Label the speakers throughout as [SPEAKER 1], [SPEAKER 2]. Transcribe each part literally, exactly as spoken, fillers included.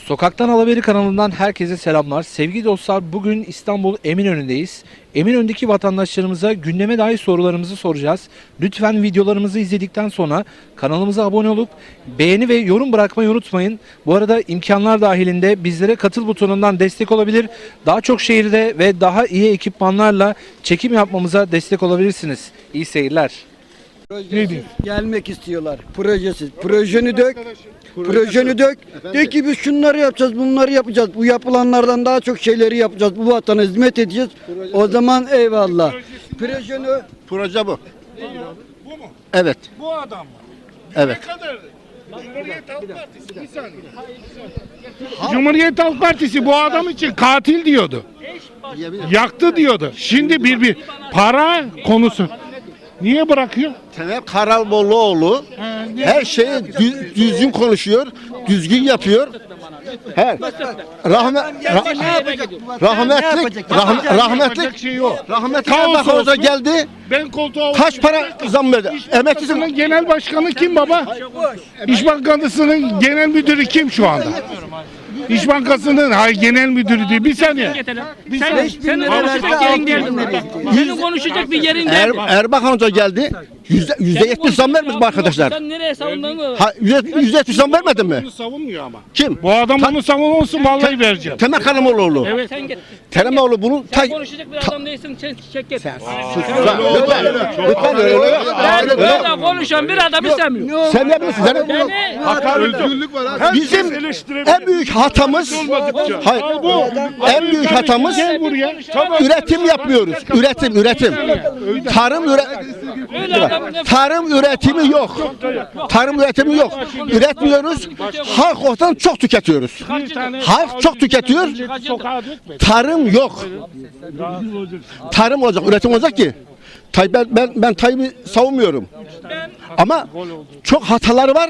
[SPEAKER 1] Sokaktan Haber kanalından herkese selamlar. Sevgili dostlar, bugün İstanbul Eminönü'ndeyiz. Eminönü'ndeki vatandaşlarımıza gündeme dair sorularımızı soracağız. Lütfen videolarımızı izledikten sonra kanalımıza abone olup beğeni ve yorum bırakmayı unutmayın. Bu arada imkanlar dahilinde bizlere katıl butonundan destek olabilir. Daha çok şehirde ve daha iyi ekipmanlarla çekim yapmamıza destek olabilirsiniz. İyi seyirler.
[SPEAKER 2] Projesiz gelmek istiyorlar. Projesiz. Projeni dök. Projeni dök. De ki biz şunları yapacağız, bunları yapacağız. Bu yapılanlardan daha çok şeyleri yapacağız. Bu vatana hizmet edeceğiz. O zaman eyvallah. Projeni
[SPEAKER 3] Proje bu.
[SPEAKER 4] Bu mu?
[SPEAKER 3] Evet.
[SPEAKER 4] Bu adam mı?
[SPEAKER 3] Evet.
[SPEAKER 4] Ne kadar? Cumhuriyet Halk Partisi. Bir saniye. Cumhuriyet Halk Partisi bu adam için katil diyordu. Yaktı diyordu. Şimdi bir bir para konusu. Niye bırakıyor?
[SPEAKER 3] Temel Karalboğluoğlu her şeyi dü- düzgün konuşuyor, düzgün yapıyor. Her rahmet ra- rahmetli rah- rahmetli
[SPEAKER 4] Yapacak şey yok.
[SPEAKER 3] rahmetli
[SPEAKER 4] Kaos
[SPEAKER 3] Erbakan Hoca
[SPEAKER 4] olsun.
[SPEAKER 3] geldi.
[SPEAKER 4] Ben koltuğa
[SPEAKER 3] Kaç para zam verdi? Emeklisin.
[SPEAKER 4] Bankası'nın genel başkanı kim baba? İş Bankası'nın genel müdürü kim şu anda? İş Bankası'nın hayır genel müdürü değil. Bir saniye. Bir
[SPEAKER 5] Sen,
[SPEAKER 4] saniye.
[SPEAKER 5] sen de konuşacak yerin değil. Senin konuşacak bir yerin
[SPEAKER 3] Er,
[SPEAKER 5] değil.
[SPEAKER 3] Erbakan Hoca geldi. Yüzde, yüzde yetmiş zam vermedi mi arkadaşlar?
[SPEAKER 5] Sen nereye savundun?
[SPEAKER 3] Ha, yüzde, yüzde yetmiş zam vermedi mi?
[SPEAKER 4] Bunu savunmuyor ama.
[SPEAKER 3] Kim?
[SPEAKER 4] Bu adam onu savunmasın vallahi vereceğim.
[SPEAKER 3] Temel Karalboğluoğlu.
[SPEAKER 4] Evet.
[SPEAKER 5] Sen git.
[SPEAKER 3] Telemoğlu bunu ta-
[SPEAKER 5] Sen konuşacak bir adam değilsin. Çek, çek git.
[SPEAKER 3] Lütfen, lütfen öyle yok.
[SPEAKER 5] Ben
[SPEAKER 3] Öyle yok.
[SPEAKER 5] böyle konuşan bir adam istemiyorum.
[SPEAKER 3] Sen ne bilirsin? Sen
[SPEAKER 5] Beni
[SPEAKER 4] Özgürlük var abi.
[SPEAKER 3] Bizim en büyük hatamız, hayır, en büyük hatamız
[SPEAKER 4] Gel buraya.
[SPEAKER 3] üretim yapmıyoruz. Üretim, üretim. Tarım üre,
[SPEAKER 5] öyle adam ne
[SPEAKER 3] tarım üretimi yok. Tarım üretimi yok. Üretmiyoruz. Halk ortadan çok tüketiyoruz. Halk çok tüketiyor.
[SPEAKER 4] Sokağa dökme.
[SPEAKER 3] Tarım yok. Tarım olacak, üretim olacak ki. Tay ben ben, ben Tayyip'i savunmuyorum. Ama çok hataları var.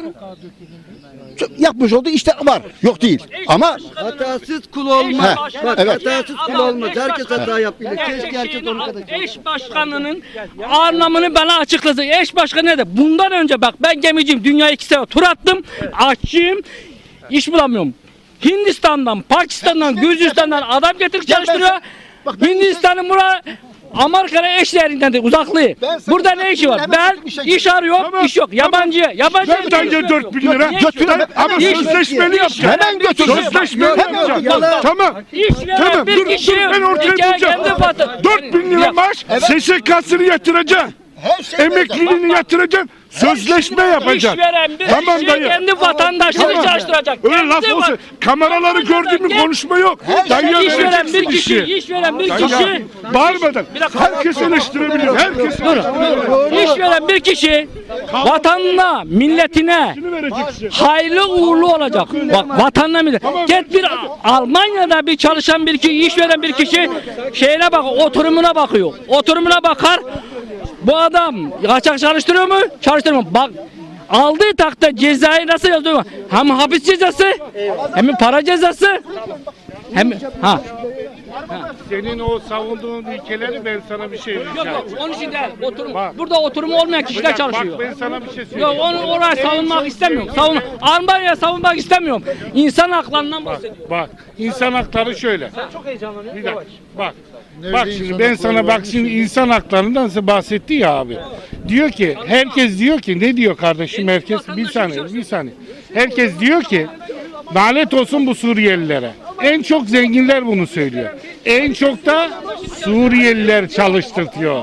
[SPEAKER 3] Çok yapmış olduğu işte var. Yok değil. Ama
[SPEAKER 2] hatasız kul olmaz.
[SPEAKER 3] He,
[SPEAKER 2] Bak
[SPEAKER 3] evet.
[SPEAKER 2] hatasız kul olmaz. Herkes hata yapıyor. Keşke herkes onun kadar.
[SPEAKER 5] Eş başkanının anlamını bana açıkladı. Eş başkanı ne de? Bundan önce bak ben gemiciyim. Dünya iki sefer tur attım. Aşçıyım. İş bulamıyorum. Hindistan'dan, Pakistan'dan, Gürcistan'dan adam getirip çalıştırıyor. Hindistan'ın buraya Amerika'ya eşlerinden de uzaklığı. Burada ne işi var? Ben iş arıyorum, iş yok. Yabancıya, yabancıya.
[SPEAKER 4] Ben tane dört bin lira.
[SPEAKER 3] götürün.
[SPEAKER 4] Ama
[SPEAKER 5] İş-
[SPEAKER 4] sözleşmeli yapacağım.
[SPEAKER 3] Hemen götürün.
[SPEAKER 4] Sözleşmeli
[SPEAKER 3] Hemen
[SPEAKER 4] yapacağım.
[SPEAKER 3] götürün.
[SPEAKER 4] Tamam.
[SPEAKER 5] İş veren
[SPEAKER 4] Tamam.
[SPEAKER 5] bir
[SPEAKER 4] Dur,
[SPEAKER 5] kişi.
[SPEAKER 4] dur ben ortaya
[SPEAKER 5] hikaye
[SPEAKER 4] bulacağım.
[SPEAKER 5] kendi vatan-
[SPEAKER 4] dört bin lira
[SPEAKER 5] Ya-
[SPEAKER 4] maaş. S S K'sını yatıracaksın.
[SPEAKER 3] Her şey
[SPEAKER 4] Emekliliğini yatıracaksın. Sözleşme yapacaksın.
[SPEAKER 5] İşveren bir
[SPEAKER 4] Tamam
[SPEAKER 5] kişi
[SPEAKER 4] dayı.
[SPEAKER 5] kendi vatandaşını
[SPEAKER 4] Tamam.
[SPEAKER 5] çalıştıracak.
[SPEAKER 4] Öyle
[SPEAKER 5] Kendi
[SPEAKER 4] laf
[SPEAKER 5] va-
[SPEAKER 4] olsun. Kameraları gördün mü
[SPEAKER 5] Kendi-
[SPEAKER 4] konuşma yok. Dayıya
[SPEAKER 5] İş veren
[SPEAKER 4] vereceksin
[SPEAKER 5] bir kişi,
[SPEAKER 4] işi.
[SPEAKER 5] iş veren bir
[SPEAKER 4] Dayı,
[SPEAKER 5] kişi,
[SPEAKER 4] bağırmadan.
[SPEAKER 5] Bir dakika.
[SPEAKER 4] Herkes eleştirebilir. Herkes
[SPEAKER 5] iş veren bir kişi vatanına, milletine
[SPEAKER 4] Şunu vereceksin.
[SPEAKER 5] hayırlı uğurlu olacak. Bak vatanına millet. Git bir Almanya'da bir çalışan bir kişi, iş veren bir kişi şeyine bak, oturumuna bakıyor. Oturumuna bakar. Bu adam kaçak çalıştırıyor mu? Çalıştırmıyor mu? Bak aldığı takta cezayı nasıl yazıyor? Hem hapis cezası, hem para cezası, hem ha.
[SPEAKER 4] Senin o savunduğun ülkeleri ben sana bir şey
[SPEAKER 5] Yok
[SPEAKER 4] diyeceğim.
[SPEAKER 5] yok onun için değil. Oturum.
[SPEAKER 4] Bak.
[SPEAKER 5] Burada oturumu olmayan kişiler
[SPEAKER 4] Bak
[SPEAKER 5] çalışıyor.
[SPEAKER 4] ben sana bir şey
[SPEAKER 5] Yok
[SPEAKER 4] söyleyeyim.
[SPEAKER 5] onu oraya savunmak istemiyorum. Savun Almanya'ya savunmak istemiyorum. İnsan haklarından bahsediyorum.
[SPEAKER 4] Bak insan hakları şöyle. Çok heyecanlanıyorum. Bir dakika. Bak. Bak şimdi ben sana bak şimdi insan haklarından size bahsetti ya abi. Diyor ki herkes diyor ki ne diyor kardeşim herkes bir saniye bir saniye. Herkes diyor ki lanet olsun bu Suriyelilere. En çok zenginler bunu söylüyor. En çok da Suriyeliler çalıştırtıyor.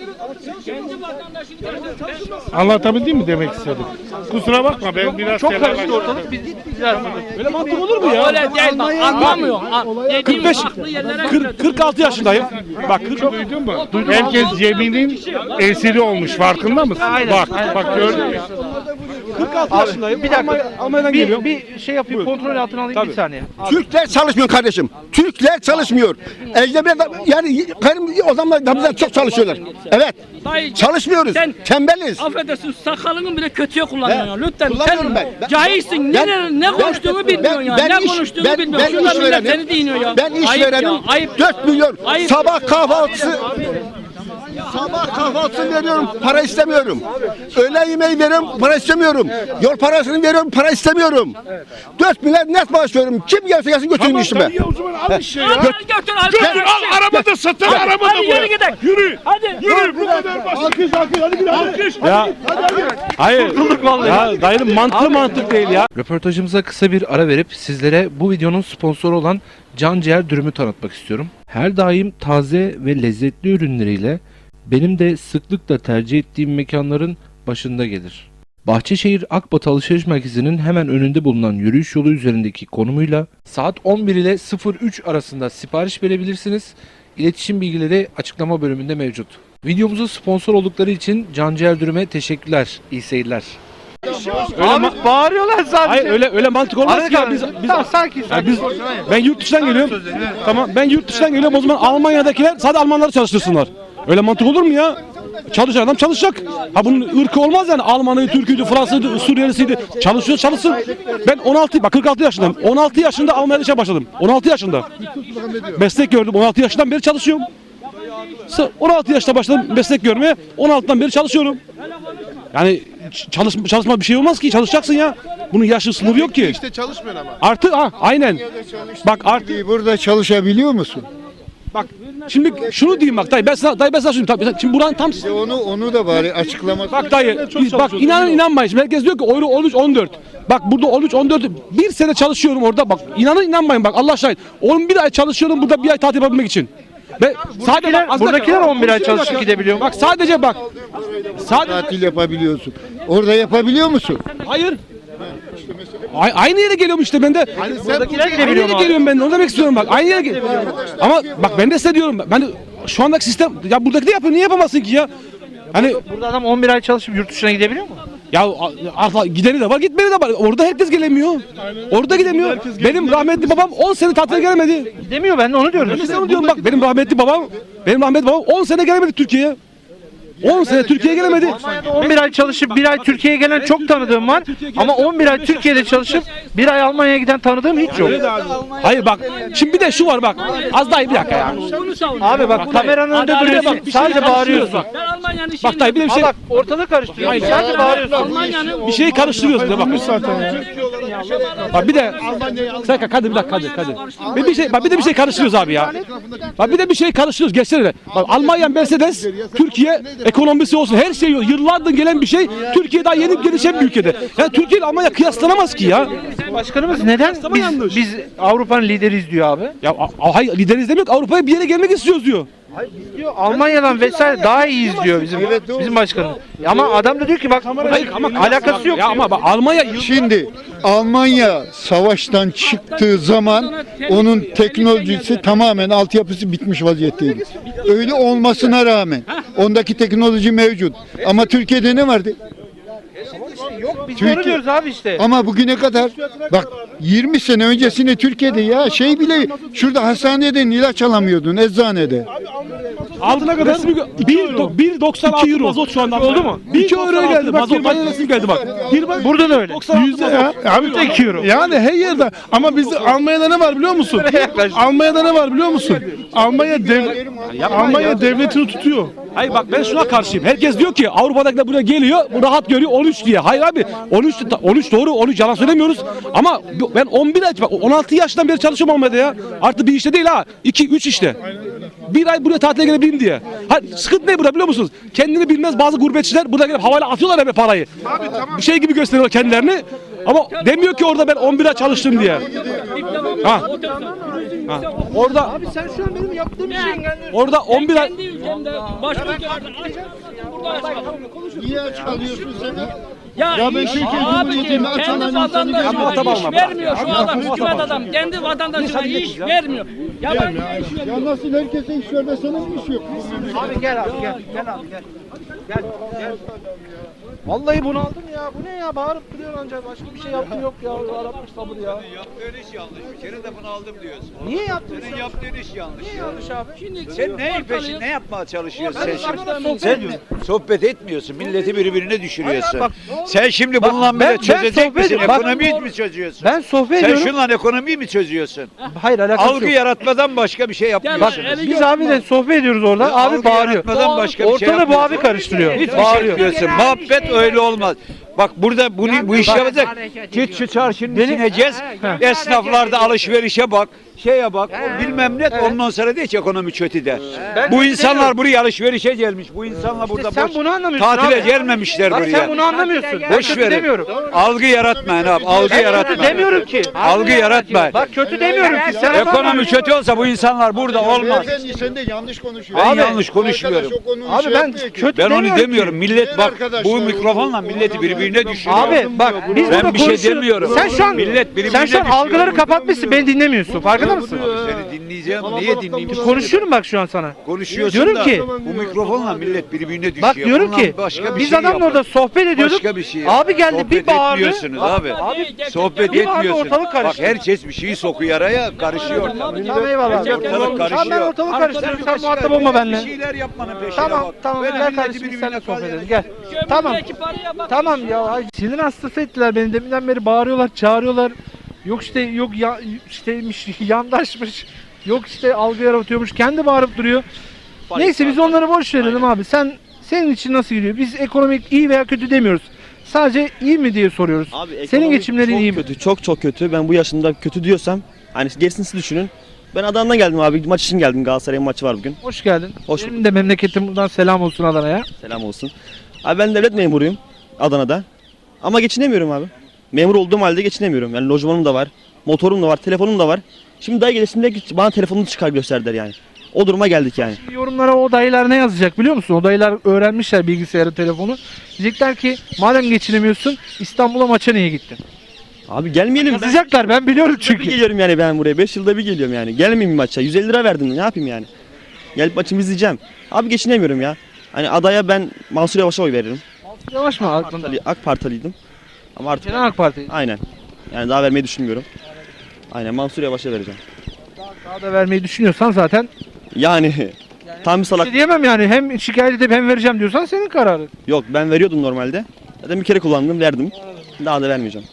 [SPEAKER 4] Anlatabildim mi demek istedim? Kusura bakma ben biraz çok karıştı ortalık.
[SPEAKER 6] Öyle mantık olur mu ya?
[SPEAKER 5] Öyle değil bak anlamıyor. An- dediğim
[SPEAKER 6] kırk beş,
[SPEAKER 5] haklı yerlere
[SPEAKER 6] kırk, kırk altı yaşındayım. Bak kırk,
[SPEAKER 4] Duydun mu? Herkes cebinin esiri olmuş farkında mısın? Bak bak gördün mü?
[SPEAKER 6] kırk altı yaşındayım. Bir dakika. Almanya'dan
[SPEAKER 1] Bir,
[SPEAKER 6] geliyorum.
[SPEAKER 1] bir şey yapayım, kontrol altına alayım bir saniye.
[SPEAKER 3] Türkler çalışmıyor kardeşim. Türkler çalışmıyor. Ecnebiler de- yani benim o zaman da bizden çok çalışıyorlar. Evet.
[SPEAKER 5] Dayı,
[SPEAKER 3] Çalışmıyoruz.
[SPEAKER 5] sen-
[SPEAKER 3] Tembeliz.
[SPEAKER 5] affedersin sakalını bile kötüye kullanıyorsun. ya. Lütfen
[SPEAKER 3] kullanıyorum
[SPEAKER 5] sen
[SPEAKER 3] ben. Ben-
[SPEAKER 5] cahilsin.
[SPEAKER 3] Ben-
[SPEAKER 5] ne, ne konuştuğunu
[SPEAKER 3] ben-
[SPEAKER 5] bilmiyorsun ya.
[SPEAKER 3] ben
[SPEAKER 5] ne
[SPEAKER 3] iş-
[SPEAKER 5] konuştuğunu
[SPEAKER 3] ben-
[SPEAKER 5] bilmiyorsun.
[SPEAKER 3] ben
[SPEAKER 5] Şurada
[SPEAKER 3] iş
[SPEAKER 5] millet
[SPEAKER 3] verenim.
[SPEAKER 5] seni dinliyor ya.
[SPEAKER 3] Ben iş
[SPEAKER 5] Ayıp
[SPEAKER 3] verenim.
[SPEAKER 5] ya, ayıp.
[SPEAKER 3] dört milyon
[SPEAKER 5] Ayıp.
[SPEAKER 3] sabah kahvaltısı Sabah kahvaltısını veriyorum, para istemiyorum. Öğle yemeği veriyorum, para istemiyorum. Yol parasını veriyorum, para istemiyorum. dört milyar net maaş veriyorum. Kim gelse gelsin götürün işime.
[SPEAKER 4] Tamam dayı o zaman al işte ya.
[SPEAKER 5] Al götür al.
[SPEAKER 4] Götür al arabada satın arabada
[SPEAKER 5] Hadi yürü gidelim.
[SPEAKER 4] Yürü.
[SPEAKER 5] Hadi.
[SPEAKER 4] Yürü bu kadar basit. Alkış alkış hadi bir alkış.
[SPEAKER 6] Ya hayır. Ya dayının mantığı mantık değil ya.
[SPEAKER 1] Röportajımıza kısa bir ara verip sizlere bu videonun sponsoru olan Can Ciğer Dürüm'ü tanıtmak istiyorum. Her daim taze ve lezzetli ürünleriyle benim de sıklıkla tercih ettiğim mekanların başında gelir. Bahçeşehir Akbat Alışveriş Merkezi'nin hemen önünde bulunan yürüyüş yolu üzerindeki konumuyla saat on bir ile sıfır üç arasında sipariş verebilirsiniz. İletişim bilgileri açıklama bölümünde mevcut. Videomuza sponsor oldukları için Can Ciğer Dürüm'e teşekkürler. İyi seyirler.
[SPEAKER 6] Öyle ma-
[SPEAKER 1] bağırıyorlar sadece.
[SPEAKER 6] Hayır öyle öyle mantık olmaz ki ya. Biz biz
[SPEAKER 1] sakin
[SPEAKER 6] ya biz ben yurt dışından geliyorum. Tamam ben yurt dışından geliyorum. O zaman Almanya'dakiler sadece Almanları çalıştırsınlar. Öyle mantık olur mu ya? Çalışan adam çalışacak. Ha bunun ırkı olmaz yani. Almanı, Türk'üydü, Fransız'ıydı, Suriyelisiydi. Çalışıyor, çalışsın. Ben on altı, bak kırk altı yaşındayım. on altı yaşında Almanya'da işe başladım. on altı yaşında. Meslek gördüm. on altı yaşından beri çalışıyorum. on altı yaşta başladım meslek görmeye. on altıdan beri çalışıyorum. Yani çalış, çalışma bir şey olmaz ki. Çalışacaksın ya. Bunun yaşı sınırı yok ki.
[SPEAKER 7] İşte çalışmıyorsun ama.
[SPEAKER 6] Artı ha aynen. Bak artı
[SPEAKER 7] Burada çalışabiliyor musun?
[SPEAKER 6] bak şimdi şunu diyeyim bak dayı ben sana dayı ben sana şunu tabii şimdi buranın tam
[SPEAKER 7] İşte onu onu da bari açıklaması.
[SPEAKER 6] bak dayı biz, bak inanın inanmayın. Şimdi herkes diyor ki euro on üç on dört. Bak burada on üç on dört bir sene çalışıyorum orada bak inanın inanmayın bak Allah şahit. on bir ay çalışıyorum burada bir ay tatil yapabilmek için. Ve sadece bak, az
[SPEAKER 1] buradakiler
[SPEAKER 6] dakika.
[SPEAKER 1] on bir ay çalışıp gidebiliyor mu?
[SPEAKER 6] Bak sadece bak. Sadece
[SPEAKER 7] Tatil yapabiliyorsun. Orada yapabiliyor musun?
[SPEAKER 6] hayır. A- aynı yere geliyorum işte ben de.
[SPEAKER 1] Buradakiler
[SPEAKER 6] Aynı
[SPEAKER 1] gidebiliyor
[SPEAKER 6] yere
[SPEAKER 1] mu abi?
[SPEAKER 6] geliyorum ben de onu demek istiyorum bak. Aynı yere gel- Ama bak ben de size diyorum. Ben de şu andaki sistem ya buradaki de yapıyor. Niye yapamazsın ki ya? Hani
[SPEAKER 1] Burada adam on bir ay çalışıp yurt dışına gidebiliyor mu?
[SPEAKER 6] ya a- a- gideni de var, gitmeni de var. Orada herkes gelemiyor. Orada gidemiyor. Benim rahmetli babam on sene tatile gelemedi.
[SPEAKER 1] Gidemiyor, ben de onu diyorum.
[SPEAKER 6] Ben de size onu diyorum bak. Benim rahmetli babam, benim rahmetli babam on sene gelemedi Türkiye'ye. on sene Türkiye'ye gelemedi.
[SPEAKER 1] on bir ay çalışıp bir ay Türkiye'ye gelen çok tanıdığım var. Ama on bir ay Türkiye'de çalışıp bir ay Almanya'ya giden tanıdığım hiç yok.
[SPEAKER 6] Hayır bak. Şimdi bir de şu var bak. Az daha iyi bir dakika ya.
[SPEAKER 5] Bunu savun.
[SPEAKER 1] Abi bak kameranın önünde
[SPEAKER 5] Adalet
[SPEAKER 1] duruyorsun.
[SPEAKER 5] bak, bir
[SPEAKER 1] Sadece
[SPEAKER 6] şey
[SPEAKER 1] bağırıyorsun.
[SPEAKER 6] karıştırıyorsun
[SPEAKER 5] Ben Almanya'nın şeyini...
[SPEAKER 6] Bak dayı bir de bir şey,
[SPEAKER 1] Aa, bak ortalık karıştırıyor. Sadece bağırıyorsun.
[SPEAKER 5] Almanya'nın...
[SPEAKER 6] bir şey karıştırıyorsun da bak. Bak bir de sen hadi bir dakika hadi hadi. Bir, bir şey bak bir de bir şey karıştırıyoruz abi ya. Bak bir de bir şey karıştırıyoruz geçsene. Bak Almanya Mercedes Türkiye ekonomisi olsun her şey yıllardır gelen bir şey. Türkiye daha yeni gelişen bir ülkede. Yani Türkiye ile Almanya kıyaslanamaz ki ya.
[SPEAKER 1] Başkanımız neden
[SPEAKER 6] Ama
[SPEAKER 1] biz,
[SPEAKER 6] yanlış.
[SPEAKER 1] biz Avrupa'nın lideriyiz diyor abi.
[SPEAKER 6] Ya a- a- hayır lideriz demiyor ki Avrupa'ya bir yere gelmek istiyoruz diyor.
[SPEAKER 1] Diyor Almanya'dan vesaire daha iyiyiz diyor bizim bizim başkanımız. Ama adam da diyor ki bak
[SPEAKER 6] Hayır ama
[SPEAKER 1] alakası yok.
[SPEAKER 6] Ya ama bak Almanya yıl-
[SPEAKER 7] Şimdi Almanya savaştan çıktığı zaman onun teknolojisi tamamen altyapısı bitmiş vaziyetteydi. Öyle olmasına rağmen ondaki teknoloji mevcut. Ama Türkiye'de ne vardı?
[SPEAKER 1] Yok biz
[SPEAKER 7] Türkiye-
[SPEAKER 1] onu diyoruz abi işte.
[SPEAKER 7] Ama bugüne kadar bak yirmi sene öncesinde Türkiye'de ya şey bile şurada hastaneden ilaç alamıyordun eczanede.
[SPEAKER 6] aldığına kadar bir doksan altı mazot şu anda oldu mu? iki euroya geldi mazot. Mazot geldi bak. Bir bak.
[SPEAKER 1] Burada da öyle.
[SPEAKER 6] Yüzde
[SPEAKER 4] Ya, abi
[SPEAKER 1] iki euro.
[SPEAKER 4] Yani her yerde ama bizde Almanya'da ne var biliyor musun? Almanya'da ne var biliyor musun? Almanya dev Almanya devletini tutuyor.
[SPEAKER 6] Hayır bak ben şuna karşıyım. Herkes diyor ki Avrupa'dakiler buraya geliyor, bu rahat görüyor on üç diye. Hayır abi on üç on üç doğru, on üç yalan söylemiyoruz. Ama ben on bir ay bak on altı yaştan beri çalışıyorum Almanya'da ya. Artı bir işte değil ha. iki üç işte. Bir ay buraya tatile gelebileyim diye. Ha, sıkıntı ne burada biliyor musunuz? Kendini bilmez bazı gurbetçiler burada gelip havayla atıyorlar hep parayı. Bir şey gibi gösteriyorlar kendilerini. Ama demiyor ki orada ben on bir ay çalıştım diye. Ha. Ha. Orada
[SPEAKER 1] Abi sen şu an benim yaptığım işi engelliyorsun.
[SPEAKER 6] orada on bir ay
[SPEAKER 5] Kendi ülkemde başka ülkelerde aç. Burada aç kaldım.
[SPEAKER 7] Niye aç kalıyorsun sen?
[SPEAKER 5] Ya,
[SPEAKER 7] Ya ben Türkiye Cumhuriyeti'nde aç
[SPEAKER 5] kendi
[SPEAKER 7] olan insanı
[SPEAKER 5] vatandaşına
[SPEAKER 6] görmedim.
[SPEAKER 5] iş vermiyor şu adam. Hükümet adam kendi vatandaşına iş vermiyor. Ya ben iş
[SPEAKER 7] Ya nasıl herkese iş vermesene mi iş yok?
[SPEAKER 1] Abi gel abi gel. Gel abi gel. Gel gel. Vallahi bunaldım ya. Bu ne ya? Bağırıp duruyorsun ancak. Başka bir şey yaptım yok ya. Arapmış sabır ya.
[SPEAKER 8] Yaptığın iş yanlış. Bir kere de bunu aldım diyorsun.
[SPEAKER 1] Niye yaptın
[SPEAKER 8] Senin
[SPEAKER 1] sen?
[SPEAKER 8] yaptığın iş yanlış.
[SPEAKER 1] Niye yanlış abi?
[SPEAKER 5] Şimdi
[SPEAKER 8] Sen neyin peşin, ne yapmaya çalışıyorsun
[SPEAKER 1] Ben
[SPEAKER 8] sen şimdi?
[SPEAKER 1] sana sohbet
[SPEAKER 8] Sen
[SPEAKER 1] ediyorum.
[SPEAKER 8] sohbet etmiyorsun, milleti birbirine düşürüyorsun.
[SPEAKER 1] Hayır,
[SPEAKER 8] Sen şimdi
[SPEAKER 1] Bak,
[SPEAKER 8] bununla
[SPEAKER 1] ben-
[SPEAKER 8] bile
[SPEAKER 1] ben
[SPEAKER 8] çözecek
[SPEAKER 1] sohbet
[SPEAKER 8] misin?
[SPEAKER 1] ediyorum. Bak,
[SPEAKER 8] Ekonomiyi mi çözüyorsun?
[SPEAKER 1] Ben sohbet
[SPEAKER 8] Sen
[SPEAKER 1] ediyorum.
[SPEAKER 8] şunla ekonomiyi mi çözüyorsun?
[SPEAKER 1] Hayır alakası
[SPEAKER 8] Algı
[SPEAKER 1] yok.
[SPEAKER 8] yaratmadan başka bir şey
[SPEAKER 5] Bak,
[SPEAKER 8] yapmıyorsun.
[SPEAKER 5] eli
[SPEAKER 1] Biz abiyle sohbet ediyoruz orada.
[SPEAKER 8] Ya,
[SPEAKER 1] Abi
[SPEAKER 8] algı
[SPEAKER 1] bağırıyor.
[SPEAKER 8] yaratmadan başka bir şey
[SPEAKER 1] Ortada bu
[SPEAKER 8] yapmıyorsun.
[SPEAKER 1] abi karıştırıyor.
[SPEAKER 8] Hiçbir şey
[SPEAKER 1] Bağırıyor.
[SPEAKER 8] yapmıyorsun. Muhabbet öyle olmaz. Bak burada bunu bu iş yapacak. Git şu çarşının içine gez. Esnaflarda alışverişe bak. Şeye bak. o bilmem ne. Ondan sonra de ki ekonomi kötü der. Bu insanlar buraya alışverişe gelmiş. Bu insanlar burada
[SPEAKER 1] sen
[SPEAKER 8] boş
[SPEAKER 1] bunu anlamıyorsun
[SPEAKER 8] tatile
[SPEAKER 1] abi.
[SPEAKER 8] gelmemişler
[SPEAKER 1] Bak
[SPEAKER 8] buraya.
[SPEAKER 1] sen bunu anlamıyorsun. Ben
[SPEAKER 8] Boş
[SPEAKER 1] kötü
[SPEAKER 8] verin.
[SPEAKER 1] demiyorum.
[SPEAKER 8] Algı yaratmayın abi. Algı
[SPEAKER 1] Ben kötü
[SPEAKER 8] yaratmayın.
[SPEAKER 1] demiyorum ki.
[SPEAKER 8] Algı yaratmayın.
[SPEAKER 1] Bak kötü demiyorum ki. Sen
[SPEAKER 8] Ekonomi kötü olsa bu insanlar burada olmaz.
[SPEAKER 7] Beyefendi sen de yanlış konuşuyorsun.
[SPEAKER 8] Ben
[SPEAKER 1] Abi,
[SPEAKER 8] yanlış konuşmuyorum.
[SPEAKER 7] Arkadaş o konuyu
[SPEAKER 1] Abi
[SPEAKER 7] şey
[SPEAKER 1] ben
[SPEAKER 7] yapmıyor ki.
[SPEAKER 1] kötü
[SPEAKER 8] Ben onu
[SPEAKER 1] demiyorum ki.
[SPEAKER 8] demiyorum. Millet
[SPEAKER 7] Diğer
[SPEAKER 8] bak
[SPEAKER 7] arkadaşlar,
[SPEAKER 8] bu
[SPEAKER 7] o-
[SPEAKER 8] mikrofonla
[SPEAKER 7] o-
[SPEAKER 8] milleti
[SPEAKER 7] o-
[SPEAKER 8] birbirine düşürüyor.
[SPEAKER 1] Abi bak biz
[SPEAKER 8] Ben
[SPEAKER 1] burada
[SPEAKER 8] bir şey
[SPEAKER 1] konuşuyoruz.
[SPEAKER 8] demiyorum.
[SPEAKER 1] Sen şu an
[SPEAKER 8] Millet birbirine
[SPEAKER 1] sen şu an
[SPEAKER 8] düşüyor.
[SPEAKER 1] algıları kapatmışsın. Beni dinlemiyorsun. Farkında mısın?
[SPEAKER 8] Seni dinleyeceğim. Niye dinleyeyim?
[SPEAKER 1] Konuşuyorum bak şu an sana.
[SPEAKER 8] Konuşuyorsun
[SPEAKER 1] Diyorum
[SPEAKER 8] da
[SPEAKER 1] ki-
[SPEAKER 8] bu mikrofonla millet birbirine düşüyor.
[SPEAKER 1] Bak diyorum
[SPEAKER 8] Bundan
[SPEAKER 1] ki
[SPEAKER 8] başka bir
[SPEAKER 1] biz
[SPEAKER 8] şey
[SPEAKER 1] adamla
[SPEAKER 8] yapın.
[SPEAKER 1] orada sohbet ediyorduk.
[SPEAKER 8] Başka bir şey
[SPEAKER 1] Abi geldi
[SPEAKER 8] Sohbet
[SPEAKER 1] bir bağırdı.
[SPEAKER 8] etmiyorsunuz abi.
[SPEAKER 1] Abi
[SPEAKER 8] Sohbet
[SPEAKER 1] bir bağırdı,
[SPEAKER 8] etmiyorsunuz.
[SPEAKER 1] ortalık
[SPEAKER 8] Bak
[SPEAKER 1] karıştı.
[SPEAKER 8] herkes bir şeyi sokuyor araya karışıyor.
[SPEAKER 1] Tamam eyvallah.
[SPEAKER 8] Ortalık
[SPEAKER 1] Tamam ben
[SPEAKER 8] karışıyor.
[SPEAKER 1] ortalık karıştırıyorum. Sen
[SPEAKER 8] Başka
[SPEAKER 1] muhatap olma
[SPEAKER 8] bir
[SPEAKER 1] benimle.
[SPEAKER 8] şeyler yapmanın peşine
[SPEAKER 1] Tamam
[SPEAKER 8] bak.
[SPEAKER 1] tamam
[SPEAKER 8] Böyle
[SPEAKER 1] gel
[SPEAKER 8] milleti
[SPEAKER 1] kardeşim biz
[SPEAKER 8] birbirine
[SPEAKER 1] seninle sohbet
[SPEAKER 8] kal-
[SPEAKER 1] edelim gel. Tamam.
[SPEAKER 5] Kömürdeki paraya bak.
[SPEAKER 1] Tamam ya ay, sinir hastası ettiler beni deminden beri bağırıyorlar çağırıyorlar. Yok işte yok ya işteymiş yandaşmış. Yok işte algı yaratıyormuş kendi bağırıp duruyor. Neyse biz onları boş verelim abi. Sen senin için nasıl gidiyor? Biz ekonomik iyi veya kötü demiyoruz. Sadece iyi mi diye soruyoruz.
[SPEAKER 9] Abi
[SPEAKER 1] Senin
[SPEAKER 9] ekonomi
[SPEAKER 1] geçimlerin
[SPEAKER 9] çok
[SPEAKER 1] iyi mi?
[SPEAKER 9] kötü, çok çok kötü. Ben bu yaşımda kötü diyorsam hani gerisini siz düşünün. Ben Adana'dan geldim abi. Maç için geldim. Galatasaray'ın maçı var bugün.
[SPEAKER 1] Hoş geldin.
[SPEAKER 9] Hoş
[SPEAKER 1] Benim de memleketim buradan selam olsun Adana'ya.
[SPEAKER 9] Selam olsun. Abi ben devlet memuruyum Adana'da. Ama geçinemiyorum abi. Memur olduğum halde geçinemiyorum. Yani lojmanım da var, motorum da var, telefonum da var. Şimdi dayı gelişimde bana telefonunu çıkar gösterdiler yani. O duruma geldik yani.
[SPEAKER 1] Yorumlara o dayılar ne yazacak biliyor musun? O dayılar öğrenmişler bilgisayarı, telefonu. Diyecekler ki madem geçinemiyorsun İstanbul'a maça niye gittin?
[SPEAKER 9] Abi gelmeyelim. Ben
[SPEAKER 1] Yazacaklar ben biliyorum
[SPEAKER 9] bir
[SPEAKER 1] çünkü.
[SPEAKER 9] geliyorum yani ben buraya. beş yılda bir geliyorum yani. Gelmeyeyim maça. yüz elli lira verdim. Ne yapayım yani? Gelip maçımı izleyeceğim. Abi geçinemiyorum ya. Hani adaya ben Mansur Yavaş'a oy veririm.
[SPEAKER 1] Yavaş mı aklında?
[SPEAKER 9] AK Partiliydim. Ama artık
[SPEAKER 1] Genel AK Parti.
[SPEAKER 9] aynen. Yani daha vermeyi düşünmüyorum. Aynen Mansur Yavaş'a vereceğim.
[SPEAKER 1] Daha da vermeyi düşünüyorsan zaten
[SPEAKER 9] Yani tam bir
[SPEAKER 1] bir
[SPEAKER 9] salak.
[SPEAKER 1] şey diyemem yani. Hem şikayet edip hem vereceğim diyorsan senin kararın.
[SPEAKER 9] Yok ben veriyordum normalde. Zaten bir kere kullandım verdim. Daha da vermeyeceğim.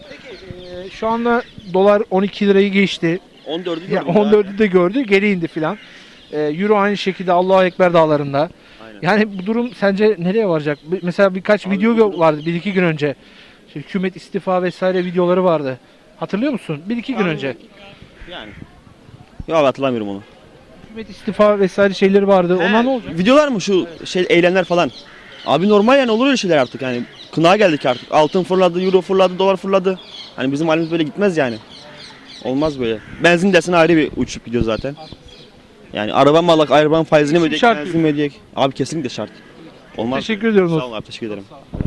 [SPEAKER 1] Ee, şu anda dolar on iki lirayı geçti.
[SPEAKER 9] on dördü
[SPEAKER 1] Ya on dördü de gördü. Geri indi filan. Ee, Euro aynı şekilde Allahu Ekber dağlarında.
[SPEAKER 9] Aynen.
[SPEAKER 1] Yani bu durum sence nereye varacak? Bir- Mesela birkaç video gö- vardı bir iki gün önce. İşte hükümet istifa vesaire videoları vardı. Hatırlıyor musun? Bir iki gün önce.
[SPEAKER 9] Yani. Yok abi hatırlamıyorum onu.
[SPEAKER 1] Hükümet istifa vesaire şeyleri vardı. Onlar ne olacak?
[SPEAKER 9] Videolar mı şu şey eylemler falan? Abi normal yani olur öyle şeyler artık yani. Kınağa geldik artık. Altın fırladı, euro fırladı, dolar fırladı. Hani bizim halimiz böyle gitmez yani. Olmaz böyle. Benzin dersin ayrı bir uçup gidiyor zaten. Yani araba mı alak, arabanın faizini mi ödeyek,
[SPEAKER 1] Şart
[SPEAKER 9] benzin mi ödeyek? Abi kesinlikle şart. Olmaz.
[SPEAKER 1] Teşekkür ediyorum.
[SPEAKER 9] Sağ olun abi teşekkür ederim.